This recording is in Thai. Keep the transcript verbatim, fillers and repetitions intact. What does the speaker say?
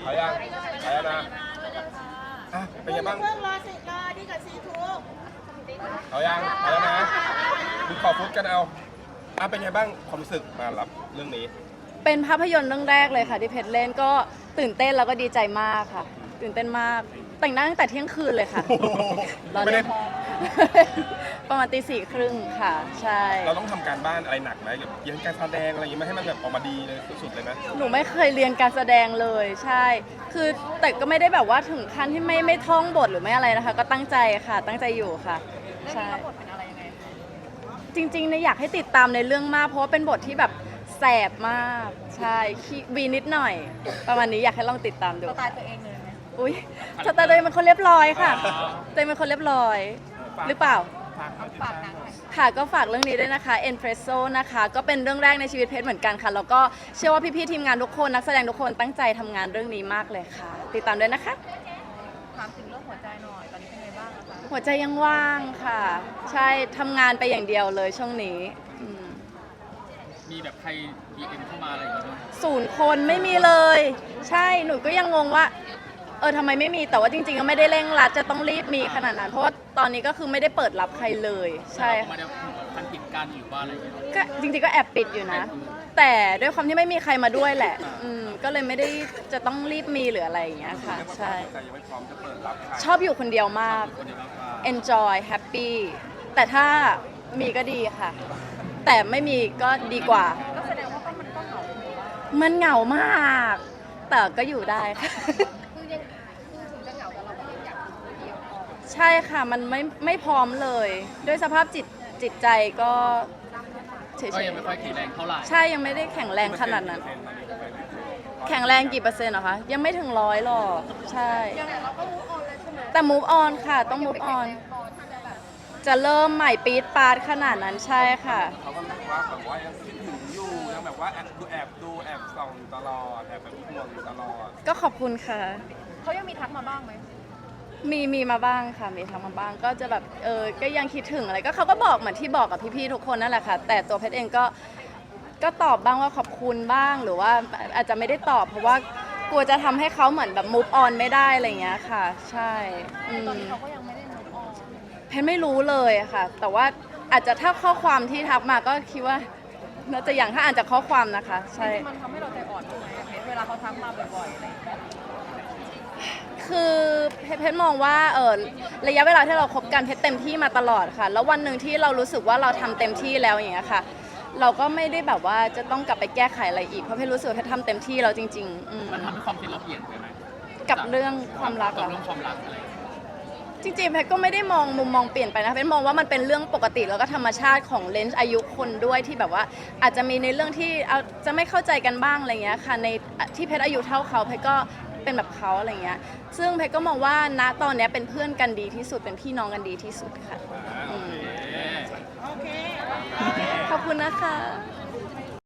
เอายังเอาแล้วนะอ่ะเป็นไงบ้างเพิ่งรอสิรอดีกับซีทูกเอายังเอาแล้วนะดูขอฟุตกันเอาอ่ะเป็นไงบ้างความรู้สึกมารับเรื่องนี้เป็นภาพยนตร์เรื่องแรกเลยค่ะที่เพชรเล่นก็ตื่นเต้นแล้วก็ดีใจมากค่ะ ตื่นเต้นมากแต่งหน้าตั้งแต่เที่ยงคืนเลยค่ะ รอไม่เล่ได้น ประมาณตีสี่ครึ่งค่ะ ใช่เราต้องทำการบ้านอะไรหนักไหมแบบเรียนการแสดงอะไรอย่างงี้ไหมให้มันแบบออกมาดีเลยสุดๆเลยไหมหนูไม่เคยเรียนการแสดงเลยใช่ คือแต่ก็ไม่ได้แบบว่าถึงขั้นที่ไม่ไม่ท่องบทหรือไม่อะไรนะคะ ก็ตั้งใจค่ะ ตั้งใจอยู่ค่ะใช่บทเป็นอะไรยังไงจริงๆเนี่ยอยากให้ติดตามในเรื่องมากเพราะว่าเป็นบทที่แบบแสบมากใช่ขี้วีนิดหน่อย ประมาณนี้อยากให้ลองติดตามดูสไตล์ตัวเองเลยไหมอุ้ยสไตล์ตัวเองเป็นคนเรียบร้อยค่ะตัวเองเป็นคนเรียบร้อย หรือเปล่าฝากหนังหน่อยค่ะก็ฝากเรื่องนี้ด้วยนะคะ Espresso นะคะก็เป็นเรื่องแรกในชีวิตเพชรเหมือนกันค่ะแล้วก็เชื่อว่าพี่ๆทีมงานทุกคนนักแสดงทุกคนตั้งใจทำงานเรื่องนี้มากเลยค่ะ ติดตามด้วยนะคะถามถึงเรื่องหัวใจหน่อย ตอนนี้เป็นไงบ้างคะหัวใจยังว่างค่ะ ใช่ทำงานไปอย่างเดียวเลยช่วงนี้อืมมีแบบใคร ดี เอ็ม เข้ามาอะไรอย่างเงี้ยบ้างศูนย์คนไม่มีเลย ใช่หนูก็ยังงงว่าเออทำไมไม่มีแต่ว่าจริงๆก็ไม่ได้เร่งรัดจะต้องรีบมีขนาดนั้นเพราะว่าตอนนี้ก็คือไม่ได้เปิดรับใครเลยใช่ไม่ได้พันติดกันหรือว่าอะไรอย่างเงี้ยก็จริงๆก็แอบปิดอยู่นะ แต่ด้วยความที่ไม่มีใครมาด้วยแหละอืมก็เลยไม่ได้จะต้องรีบมีหรืออะไรอย่างเงี้ยค่ะใช่ใจยังไม่พร้อมจะเปิดรับใครชอบอยู่คนเดียวมากคนเดียวมากกว่า enjoy happy แต่ถ้ามีก็ดีค่ะ แต่ไม่มีก็ดีกว่าก็แสดงว่าก็มันก็เหงาอยู่ว่ามันเหงามาก แต่ก็อยู่ได้ค่ะคือยังคือถึงจะเหงาแต่เราก็ยังอยากอยู่คนเดียวพอใช่ค่ะ มันไม่ไม่พร้อมเลย ด้วยสภาพจิตจิตใจก็เฉก็ยยังไม่ค่อยแข็งแรงเท่าไหร่ๆใช่ยังไม่ได้แข็งแรงขนาดนั้น แข็งแรงกี่เปอร์เซ็นต์เหรอคะ ยังไม่ถึงร้อยหรอก ใช่ยังไงเราก็มูฟออนเลยใช่ไหมแต่ move on ค่ะ ต้อง move on พอที่จะแบบจะเริ่มใหม่ปี๊ดปาดขนาดนั้นใช่ค่ะเขาก็บอกว่าแบบว่ายังคิดถึงอยู่ยังแบบว่าแอบดูแอบดูแอบส่องอยู่ตลอดแอบแบบห่วงอยู่ตลอดก็ขอบคุณค่ะเขายังมีทักมาบ้างไหมมีมีมาบ้างค่ะ มีทำมาบ้าง ก็จะแบบ เออ ก็ยังคิดถึงอะไร ก็เขาก็บอกเหมือนที่บอกกับพี่ๆทุกคนนั่นแหละค่ะ แต่ตัวเพชรเองก็ ก็ตอบบ้างว่าขอบคุณบ้าง หรือว่าอาจจะไม่ได้ตอบ เพราะว่ากลัวจะทำให้เขาเหมือนแบบ move on ไม่ได้อะไรอย่างเงี้ยค่ะ ใช่อืมตอนนี้เขาก็ยังไม่ได้มูฟออนเพชรไม่รู้เลยอะค่ะ แต่ว่าอาจจะถ้าข้อความที่ทักมาก็คิดว่าน่าจะอย่างถ้าอ่านจากข้อความนะคะ ใช่มันทำให้เราใจอ่อนทำไมอะเพชรเวลาเขาทักมาบ่อยๆอะไรอย่างเงี้ยคือเพชรเพชรมองว่าเออระยะเวลาที่เราคบกันเพชรเต็มที่มาตลอดค่ะ แล้ววันหนึ่งที่เรารู้สึกว่าเราทำเต็มที่แล้วอย่างเงี้ยค่ะ เราก็ไม่ได้แบบว่าจะต้องกลับไปแก้ไขอะไรอีกเพราะเพชรรู้สึกว่าเพชรทำเต็มที่แล้วจริงๆอืมมันทำให้ความคิดเราเปลี่ยนไปไหมกับเรื่องความรักกับอะเรื่องความรักอะไรอย่างเงี้ยจริงๆเพชรก็ไม่ได้มองมุมมองเปลี่ยนไปนะเพชรมองว่ามันเป็นเรื่องปกติแล้วก็ธรรมชาติของเลนส์อายุคนด้วยที่แบบว่าอาจจะมีในเรื่องที่เอาจะไม่เข้าใจกันบ้างอะไรเงี้ยค่ะในที่เพชรอายุเท่าเขาเพชรก็เป็นแบบเขาอะไรเงี้ยซึ่งเพชรก็มองว่าณตอนเนี้ยเป็นเพื่อนกันดีที่สุดเป็นพี่น้องกันดีที่สุดค่ะอืมโอเคขอบคุณนะคะ